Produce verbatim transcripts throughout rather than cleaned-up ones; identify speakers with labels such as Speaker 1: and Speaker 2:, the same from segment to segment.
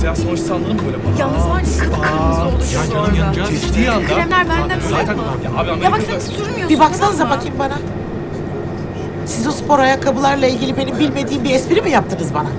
Speaker 1: ya. Sonuç sanırım böyle.
Speaker 2: Yalnız var ya kıpkırmızı olacağız
Speaker 1: Canım
Speaker 2: orada.
Speaker 1: yanacağız. Geçtiği anda.
Speaker 2: Kremler benden
Speaker 1: Zaten
Speaker 2: mi?
Speaker 1: ya abi
Speaker 2: Ya bak sen hiç sürmüyorsun.
Speaker 3: Bir baksanıza bakayım bana. Siz o spor ayakkabılarla ilgili benim bilmediğim bir espri mi yaptınız bana?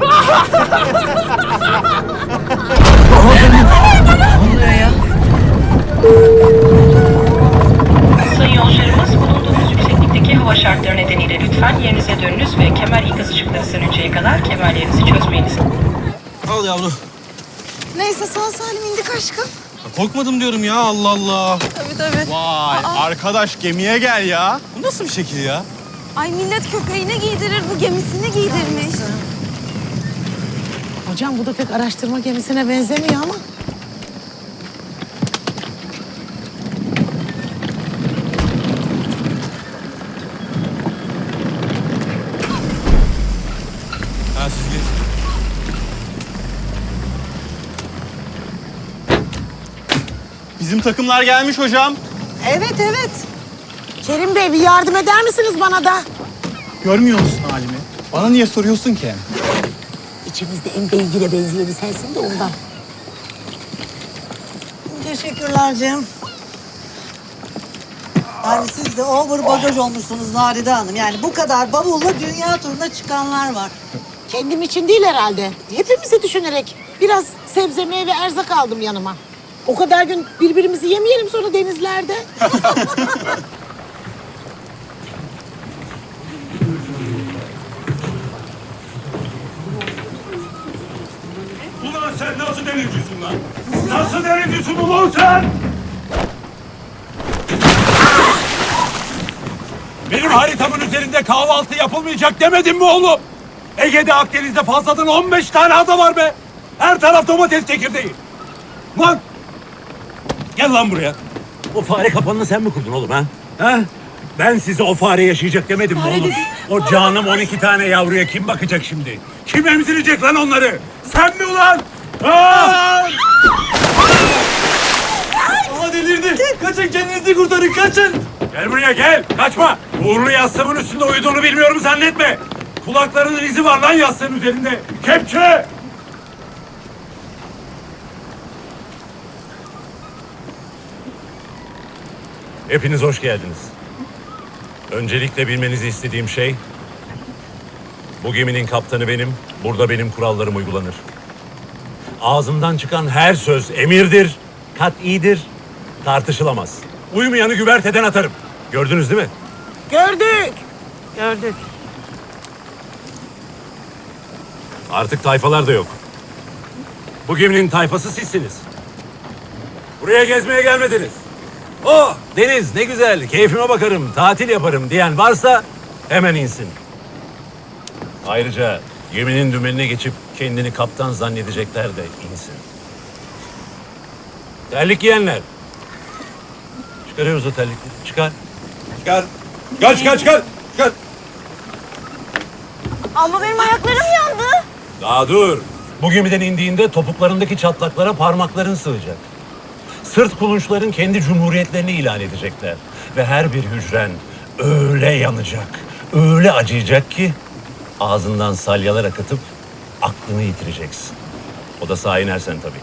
Speaker 4: Sayın yolcularımız, bulunduğunuz yükseklikteki hava şartları nedeniyle lütfen yerinize dönünüz ve kemer ikaz ışıkları sönünceye kadar kemerlerinizi çözmeyiniz.
Speaker 5: Al yavru.
Speaker 2: Neyse sağ salim indik aşkım.
Speaker 5: Korkmadım diyorum ya, Allah Allah.
Speaker 2: Tabii tabii.
Speaker 5: Vay arkadaş, gemiye gel ya. Bu nasıl bir şekil ya?
Speaker 2: Ay millet köpeğine giydirir, bu gemisini giydirmiş.
Speaker 3: Hocam bu da pek araştırma gemisine benzemiyor ama.
Speaker 5: Ha, siz geç. Bizim takımlar gelmiş hocam.
Speaker 3: Evet evet. Kerim Bey bir yardım eder misiniz bana da?
Speaker 5: Görmüyor musun halimi? Bana niye soruyorsun ki?
Speaker 3: İçimizde en beygire benzeyeni sensin de ondan.
Speaker 6: Teşekkürler Cem. Yani siz de over bagaj olmuşsunuz Naride Hanım. Yani bu kadar bavulla dünya turuna çıkanlar var.
Speaker 3: Kendim için değil herhalde. Hepimizi düşünerek biraz sebze, meyve, erzak aldım yanıma. O kadar gün birbirimizi yemeyelim sonra denizlerde.
Speaker 7: Ulan sen nasıl denizcisin lan? Nasıl denizcisin ulan sen? Benim haritamın üzerinde kahvaltı yapılmayacak demedim mi oğlum? Ege'de, Akdeniz'de fazladan on beş tane ada var be. Her taraf domates çekirdeği. Lan! Gel lan buraya. O fare kapanını sen mi kurdun oğlum ha? Ha? Ben size o fare yaşayacak demedim mi oğlum? O canım on iki tane yavruya kim bakacak şimdi? Kim emzirecek lan onları? Sen mi ulan? Aa!
Speaker 5: Aa, delirdi. Kaçın, kendinizi kurtarın, kaçın.
Speaker 7: Gel buraya gel. Kaçma. Uğurlu yastığımın üstünde uyuduğunu bilmiyorum zannetme. Kulaklarının izi var lan yastığın üzerinde. Kepçe! Hepiniz hoş geldiniz. Öncelikle bilmenizi istediğim şey... bu geminin kaptanı benim, burada benim kurallarım uygulanır. Ağzımdan çıkan her söz emirdir, kat'idir, tartışılamaz. Uymayanı güverteden atarım. Gördünüz değil mi?
Speaker 3: Gördük. Gördük.
Speaker 7: Artık tayfalar da yok. Bu geminin tayfası sizsiniz. Buraya gezmeye gelmediniz. Oh deniz ne güzel, keyfime bakarım, tatil yaparım diyen varsa hemen insin. Ayrıca geminin dümenine geçip kendini kaptan zannedecekler de insin. Terlik giyenler. Çıkarıyoruz o terlikleri. Çıkar. Çıkar. Çıkar çıkar çıkar. Çıkar.
Speaker 2: Ama benim ayaklarım yandı.
Speaker 7: Daha dur. Bu gemiden indiğinde topuklarındaki çatlaklara parmakların sığacak. Sırt kulunçların kendi cumhuriyetlerini ilan edecekler. Ve her bir hücren öyle yanacak, öyle acıyacak ki ağzından salyalar akıtıp aklını yitireceksin. O da sağa inersen tabii.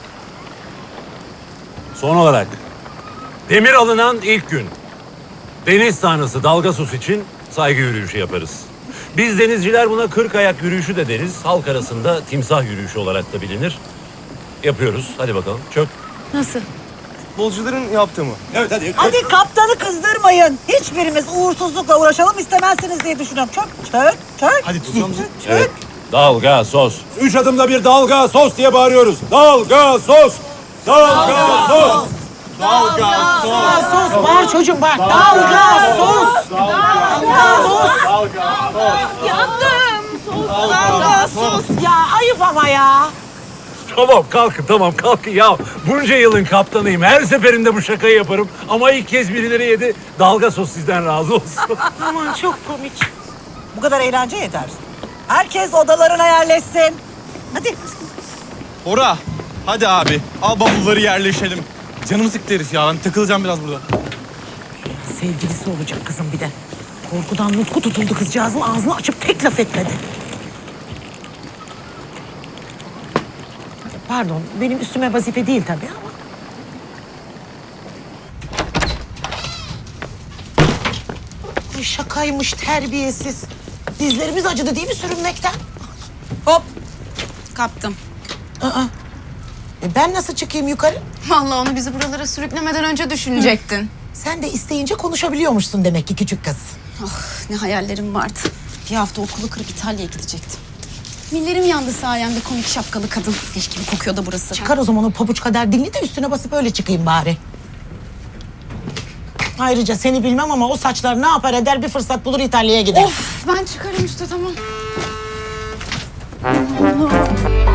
Speaker 7: Son olarak demir alınan ilk gün deniz tanrısı Dalgasus için saygı yürüyüşü yaparız. Biz denizciler buna kırk ayak yürüyüşü de deriz. Halk arasında timsah yürüyüşü olarak da bilinir. Yapıyoruz. Hadi bakalım. Çök.
Speaker 2: Nasıl?
Speaker 5: Futbolcuların yaptığı mı?
Speaker 7: Evet hadi.
Speaker 6: Hadi kaptanı kızdırmayın. Hiçbirimiz uğursuzlukla uğraşalım istemezsiniz diye düşünüyorum. Çök, çök, çök.
Speaker 5: Hadi tutun.
Speaker 7: Evet. Dalga sos. Üç adımda bir dalga sos diye bağırıyoruz. Dalga sos. Dalga sos.
Speaker 5: Dalga, sos.
Speaker 3: Sos bağır çocuğum bağır. Dalga sos.
Speaker 2: Yandım. Soğuklarla sos.
Speaker 3: Ya ayıp ama ya.
Speaker 7: Tamam kalkın tamam kalkın ya. Bunca yılın kaptanıyım. Her seferinde bu şakayı yaparım. Ama ilk kez birileri yedi. Dalga sos sizden razı olsun.
Speaker 3: Aman çok komik.
Speaker 6: Bu kadar eğlence yeter. Herkes odalarına yerleşsin. Hadi.
Speaker 5: Bora, hadi abi. Al bavulları yerleşelim. Canımı sıktı herif ya. Ben takılacağım biraz burada.
Speaker 3: Sevgilisi olacak kızım bir de. Korkudan nutku tutuldu kızcağızın, ağzını açıp tek laf etmedi. Pardon, benim üstüme vazife değil tabii ama. Ay şakaymış, terbiyesiz. Dizlerimiz acıdı değil mi sürünmekten?
Speaker 2: Hop. Kaptım.
Speaker 3: Aa. E ben nasıl çıkayım yukarı?
Speaker 2: Vallahi onu bizi buralara sürüklemeden önce düşünecektin.
Speaker 3: Sen de isteyince konuşabiliyormuşsun demek ki küçük kız.
Speaker 2: Ah, ne hayallerim vardı. Bir hafta okulu kırıp İtalya'ya gidecektim. Millerim yandı sayemde komik şapkalı kadın. Leş gibi kokuyor da burası.
Speaker 3: Çıkar o zaman o pabuç kadar dilini de üstüne basıp öyle çıkayım bari. Ayrıca seni bilmem ama o saçlar ne yapar eder bir fırsat bulur İtalya'ya gider.
Speaker 2: Of, ben çıkarım işte tamam.